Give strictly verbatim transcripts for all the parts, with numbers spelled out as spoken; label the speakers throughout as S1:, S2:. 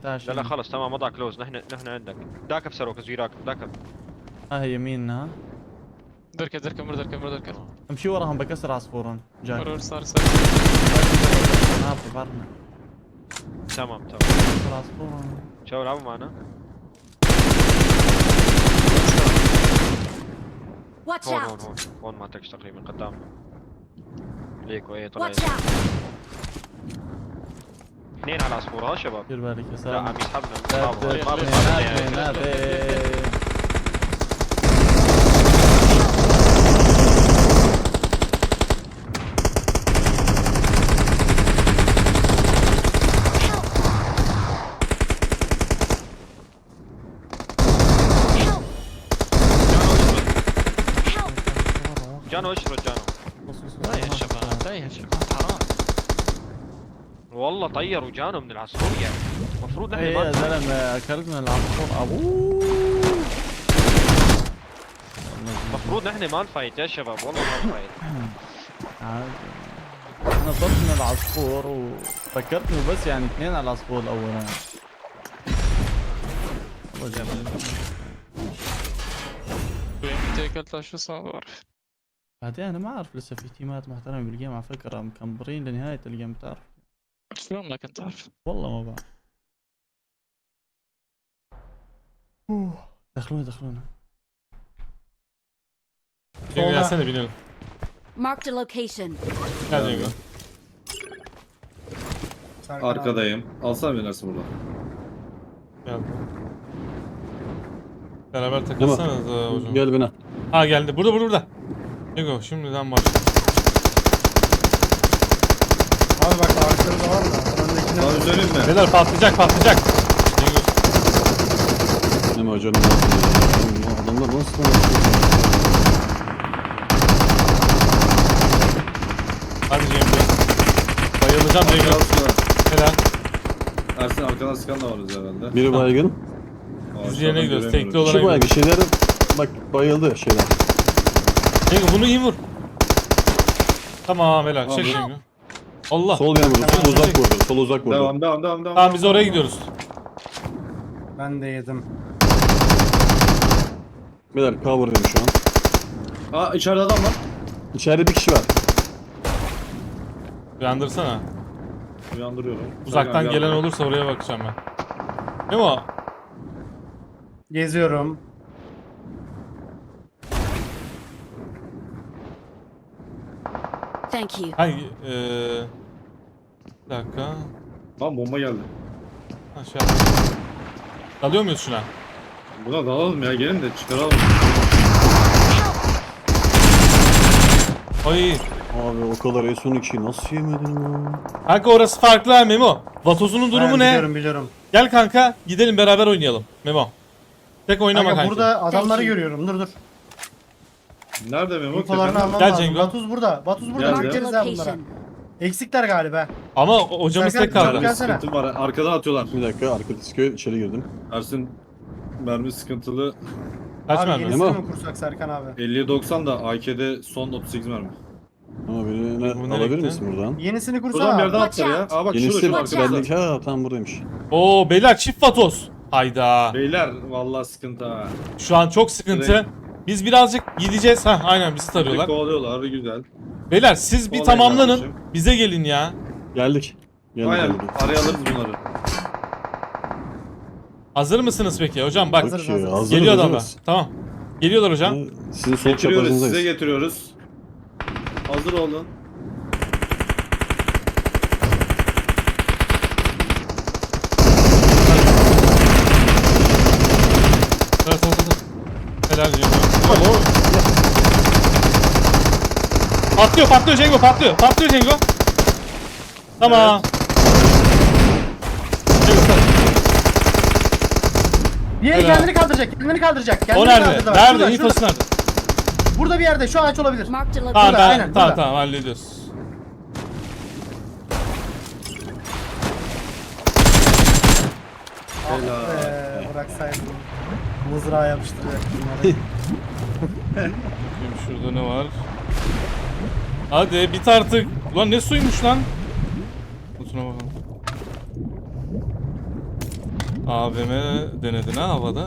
S1: لا لا خلص تمام وضع كلوز. نحن نحن عندك داك بسروك زويراك داك.
S2: ها هي يميننا.
S3: دركه دركه مر دركه مر دركه
S2: امشي وراهم بكسر عصفورهم. جاك.
S3: مرور صار صار
S2: ما بعرفنا.
S1: تمام تمام.
S2: بكسر عصفورهم.
S1: شو لعبوا معنا؟
S4: Watch
S1: هون هون
S4: out!
S1: هون هون ما تكش تقريبا قدامنا. ليكو ايه طلع.
S4: Watch out!
S1: اثنين على العصفورة ها شباب.
S2: دير بالك يا
S1: لا
S2: سلام.
S1: عم يسحبنا.
S2: لا
S1: ما
S2: تدري.
S1: ما
S2: نادي
S1: بسحبنا.
S2: نادي.
S1: جانو اشرد جانو.
S3: لا يا شباب لا يا شباب حرام
S1: والله طيروا جانو من العصفور يعني. المفروض نحن
S2: ايه يا
S1: ما
S2: زلمه اكلت من العصفور ابوه.
S1: المفروض نحن ما نفايت يا شباب والله ما نفايت.
S2: عادي. انا طرت من العصفور وفكرت انه بس يعني اثنين على العصفور الاولاني. والله جميل.
S3: متى اكلتها شو صار؟
S2: بعدين انا ما اعرف لسه في تيمات محترمه بالجيم على فكره مكمبرين لنهايه الجيم بتعرف.
S3: شلون ما كنت عارف؟
S2: والله ما بعرف. اوه دخلونا دخلونا.
S5: Ya sen de binelim.
S4: Marked a location.
S5: Gel Cengo.
S6: Arkadayım. Alsana beni Ersin burada.
S5: Gel. Beraber takılsanız hocam.
S7: Gel bana.
S5: Ha geldi. Burada burada burada. Cengo şimdiden başla.
S8: Abi bak arkada var da. Öndekine
S6: Sana bir söyleyeyim mi?
S5: Beyler patlayacak patlayacak. Cengo.
S7: Deme hocam nasıl ya? Bu adamlar nasıl lan?
S5: Hadi Cengo. Bayılacağım Cengo.
S6: Arkadan sıkan.
S5: Helal.
S6: Ersin arkadan sıkan da varız herhalde.
S7: Biri baygın.
S6: Aa,
S5: Biz yerine
S6: aşağıdan
S5: gidiyoruz.
S6: göremiyoruz.
S5: Tekli olarak
S7: Şu baygın
S5: gidiyoruz.
S7: şeyler bak bayıldı şeyler.
S5: Cengo bunu iyi vur. Tamam helal. Çek
S6: Tamam.
S5: Cengo. Allah.
S7: Sol yana vurdu. Sol uzak vurdu. Sol uzak vurdu.
S6: Devam devam devam devam.
S5: Tamam biz oraya gidiyoruz.
S8: ben de yedim.
S7: Beyler cover'dayım şu an.
S6: Aa içeride adam var.
S7: İçeride bir kişi var.
S5: Uyandırsana.
S6: Uyandırıyorum.
S5: Uzaktan
S6: Serkan,
S5: gelen
S6: gel.
S5: olursa oraya bakacağım ben. Ne o?
S8: Geziyorum.
S4: Thank you.
S5: Hangi? Eee... Bir dakika.
S6: Lan bomba geldi.
S5: Aşağı. Dalıyor muyuz şuna?
S6: Buna dalalım ya gelin de çıkaralım.
S5: Ay.
S7: Abi o kadar S on ikiyi nasıl yemedin ya?
S5: Kanka orası farklı ha Memo. Vatozunun durumu
S8: Ben
S5: ne?
S8: Biliyorum biliyorum.
S5: Gel kanka gidelim beraber oynayalım Memo. Tek oynama
S8: Kanka,
S5: kanka.
S8: burada adamları
S4: Thank you.
S8: görüyorum. Dur dur.
S6: Nerede Memo?
S8: İnfolarını
S6: Tepede mi?
S8: almam
S5: Gel
S8: lazım.
S5: Cengo.
S8: Batuz burada. Batuz burada.
S6: Geldi.
S8: Bakacağız ha bunlara.
S4: Location.
S8: Eksikler galiba.
S5: Ama o- hocamız
S8: Serkan,
S5: tek kaldı.
S8: Serkan. Gelsene.
S6: Sıkıntı var. Arkadan atıyorlar.
S7: Bir dakika arka diskoya içeri girdim.
S6: Ersin mermi sıkıntılı.
S5: Kaç
S8: abi
S5: mermi?
S8: yenisini
S7: Memo.
S8: mi kursak Serkan abi?
S6: elliye doksan da A K'de son otuz sekiz mermi.
S7: Ama birini
S5: Bu nereye
S7: alabilir
S5: gitti?
S7: misin buradan?
S8: Yenisini
S6: Buradan bir
S8: kursana.
S6: yerden
S4: Watch
S6: atlar ya.
S4: out.
S6: Aa bak şurada
S7: Yenisi
S6: şurada
S4: Watch out.
S6: arkadaşlar.
S7: bendeki ha tamam buradaymış.
S5: Oo beyler çift vatoz. Hayda.
S6: Beyler vallahi sıkıntı ha.
S5: Şu an çok sıkıntı.
S6: Direkt.
S5: Biz birazcık gideceğiz. Ha aynen bizi
S6: Direkt
S5: tarıyorlar.
S6: kovalıyorlar güzel.
S5: Beyler siz bir
S6: Kovalayın
S5: tamamlanın.
S6: kardeşim.
S5: Bize gelin ya.
S7: Geldik. Geldik
S6: Aynen
S7: geldik.
S6: araya alırız bunları.
S5: Hazır mısınız peki hocam? Bak
S8: Hazırız,
S7: Yok ki,
S8: hazırız.
S7: hazırız,
S5: geliyor adamlar.
S7: hazırız.
S5: Tamam. Geliyorlar hocam.
S7: Ha, Sizin sol
S6: Getiriyoruz size
S7: çaprazınızdayız.
S6: getiriyoruz. Hazır olun.
S5: Evet evet evet. Helal Cengo. Patlıyor patlıyor Cengo patlıyor. Patlıyor Cengo. Tamam. Cengo, sen-
S8: Diğeri
S5: Helal.
S8: kendini kaldıracak. Kendini kaldıracak. Kendini
S5: O nerede?
S8: kaldırdı. Bak,
S5: Nerede?
S8: şurada,
S5: İnfosu
S8: şurada.
S5: nerede?
S8: Burada bir yerde. Şu ağaç olabilir.
S4: Marked a
S5: Tamam
S4: location.
S5: ben
S8: aynen,
S5: tamam
S8: burada.
S5: tamam hallediyoruz.
S6: Helal.
S8: Eee bıraksaydım. Mızrağa yapıştıracak bunları.
S5: Bakayım şurada ne var? Hadi bit artık. Ulan ne suymuş lan? Kutuna bakalım. A V M denedin ha havada.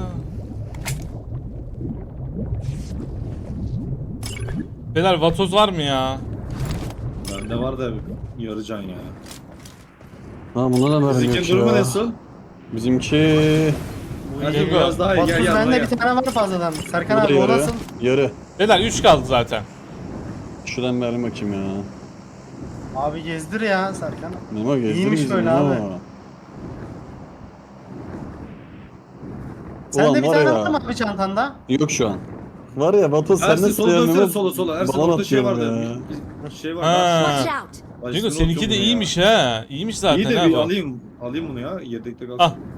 S5: Beyler vatoz var mı ya?
S6: Bende var da yarı can ya.
S7: Ha buna da mermi yok
S6: Bizimki durumu
S7: ya.
S6: nasıl?
S7: Bizimki...
S6: Hadi
S5: Yok.
S6: biraz daha iyi. Gel
S8: Vatoz
S6: gel.
S8: bende
S6: gel.
S8: bir tane var fazladan. Serkan
S7: Bu da
S8: abi o
S7: yarı.
S8: nasıl?
S7: Yarı.
S5: Beyler üç kaldı zaten.
S7: Şuradan mermi bakayım ya.
S8: Abi gezdir ya Serkan.
S7: Memo gezdir
S8: İyiymiş
S7: bizi,
S8: böyle
S7: Memo.
S8: abi. Sende
S7: Ulan
S8: bir
S7: var
S8: tane
S7: ya.
S8: var mı abi çantanda?
S7: Yok şu an. Var ya Batu sen
S6: Ersin
S7: nasıl
S6: sola dönsene
S7: Memo?
S6: sola sola. Ersin
S7: Balon
S6: orada şey
S7: atıyorum
S6: vardı.
S7: ya.
S6: Bir, bir şey var.
S5: Ha.
S4: Watch out!
S6: Bak,
S5: Cengo
S6: üstüne
S5: seninki de
S6: oturuyorum ya.
S5: iyiymiş ha. İyiymiş zaten
S6: İyi de
S5: ha
S6: bir
S5: bu.
S6: alayım. Alayım bunu ya. Yedekte kalsın.
S5: Ah